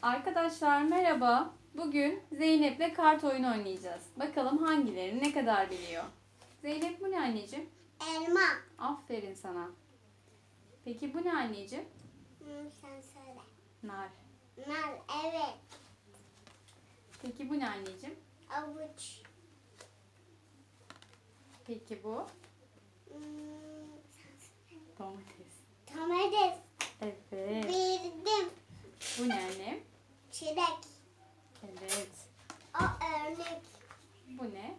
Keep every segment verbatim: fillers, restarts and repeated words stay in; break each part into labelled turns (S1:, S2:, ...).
S1: Arkadaşlar merhaba. Bugün Zeynep'le kart oyunu oynayacağız. Bakalım hangileri ne kadar biliyor. Zeynep bu ne anneciğim?
S2: Elma.
S1: Aferin sana. Peki bu ne anneciğim?
S2: Hmm, sen söyle.
S1: Nar.
S2: Nar, evet.
S1: Peki bu ne anneciğim?
S2: Avuç.
S1: Peki bu?
S2: Hmm, sen söyle.
S1: Domates.
S2: Domates.
S1: Evet.
S2: Bildim.
S1: Bu ne annem?
S2: Çilek.
S1: Evet.
S2: O örnek.
S1: Bu ne?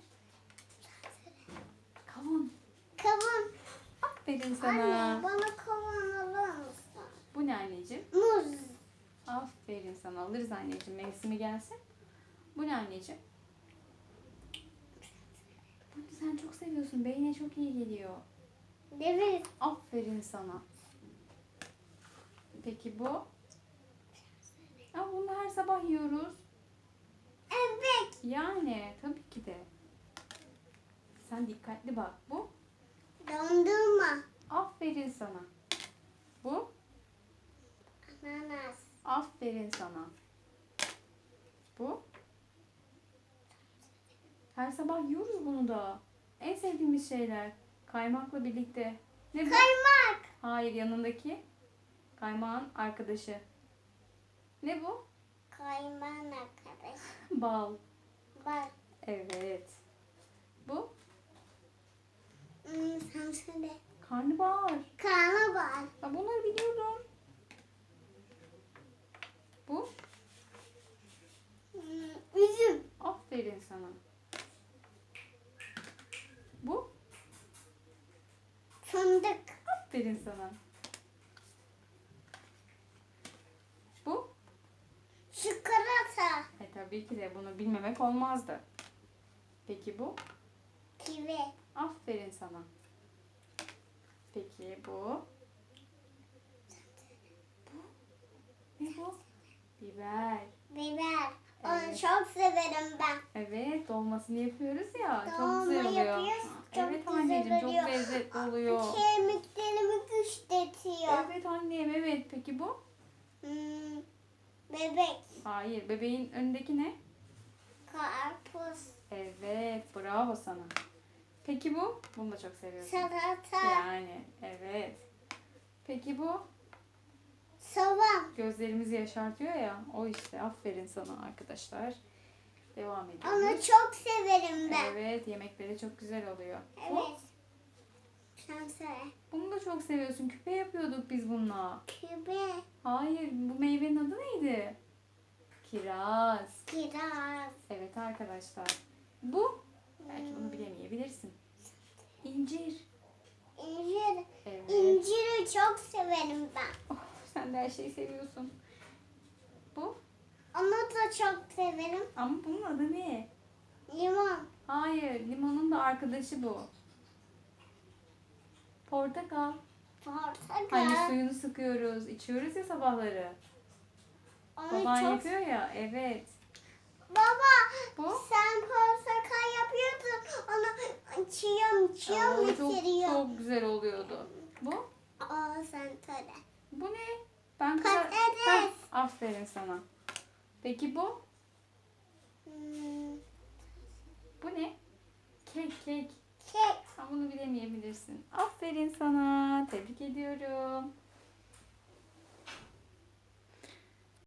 S1: Kavun.
S2: Kavun.
S1: Aferin sana.
S2: Anne bana kavun alır mısın?
S1: Bu ne anneciğim?
S2: Muz.
S1: Aferin sana. Alırız anneciğim. Mevsimi gelsin. Bu ne anneciğim? Bunu sen çok seviyorsun. Beyne çok iyi geliyor.
S2: Evet.
S1: Aferin sana. Peki bu? Aa, bunu her sabah yiyoruz.
S2: Evet.
S1: Yani tabii ki de. Sen dikkatli bak. Bu?
S2: Dondurma.
S1: Aferin sana. Bu?
S2: Ananas.
S1: Aferin sana. Bu? Her sabah yiyoruz bunu da. En sevdiğimiz şeyler. Kaymakla birlikte. Ne bu?
S2: Kaymak.
S1: Hayır, yanındaki. Kaymağın arkadaşı. Ne bu?
S2: Kaymağın arkadaş.
S1: Bal.
S2: Bak.
S1: Evet. Bu?
S2: Hmm, sen söyle.
S1: Karnabahar.
S2: Karnabahar.
S1: Ben bunları biliyorum. Bu?
S2: Hmm, üzüm.
S1: Aferin sana. Bu?
S2: Fındık.
S1: Aferin sana. Bu?
S2: Çikolata.
S1: E tabii ki de bunu bilmemek olmazdı. Peki bu?
S2: Kivi.
S1: Aferin sana. Peki bu? Bu? Ne bu? Biber.
S2: Biber. Onu
S1: Evet.
S2: çok severim ben.
S1: Evet, dolmasını yapıyoruz ya. Çok
S2: Dolma
S1: güzel oluyor.
S2: yapıyoruz, çok
S1: Evet
S2: güzel
S1: anneciğim,
S2: oluyor.
S1: çok lezzetli oluyor.
S2: Kemiklerimi güçletiyor.
S1: Evet annem, evet. Peki bu?
S2: Hmm, bebek.
S1: Hayır, bebeğin önündeki ne?
S2: Karpuz.
S1: Evet, bravo sana. Peki bu? Bunu da çok seviyorsun.
S2: Salata.
S1: Yani, evet. Peki bu?
S2: Soğan.
S1: Gözlerimizi yaşartıyor ya. O işte. Aferin sana arkadaşlar. Devam ediyoruz.
S2: Onu çok severim ben.
S1: Evet, yemekleri çok güzel oluyor. Bu?
S2: Evet. Sen söyle.
S1: Bunu da çok seviyorsun. Küpe yapıyorduk biz bununla.
S2: Kübe.
S1: Hayır, bu meyvenin adı neydi? Kiraz.
S2: Kiraz.
S1: Evet arkadaşlar. Bu? Belki bunu bilemeyebilirsin. İncir.
S2: İncir.
S1: Evet.
S2: İnciri çok severim ben.
S1: Oh, sen de her şeyi seviyorsun. Bu?
S2: Onu da çok severim.
S1: Ama bunun adı ne?
S2: Limon.
S1: Hayır, limonun da arkadaşı bu. Portakal.
S2: Portakal.
S1: Hani suyunu sıkıyoruz, içiyoruz ya sabahları.
S2: Onu
S1: Baban
S2: çok...
S1: yapıyor ya, evet.
S2: Baba
S1: Bu?
S2: sen portakal yapıyordun. Onu çiğim çiğim
S1: Oo, çok,
S2: bitiriyor.
S1: çok güzel oluyordu. Bu?
S2: Aa sen söyle.
S1: Bu ne? Ben
S2: Patates.
S1: Heh, aferin sana. Peki bu?
S2: Hmm,
S1: Bu ne? Kek, kek.
S2: kek.
S1: Sen bunu bilemeyebilirsin. Aferin sana. Tebrik ediyorum.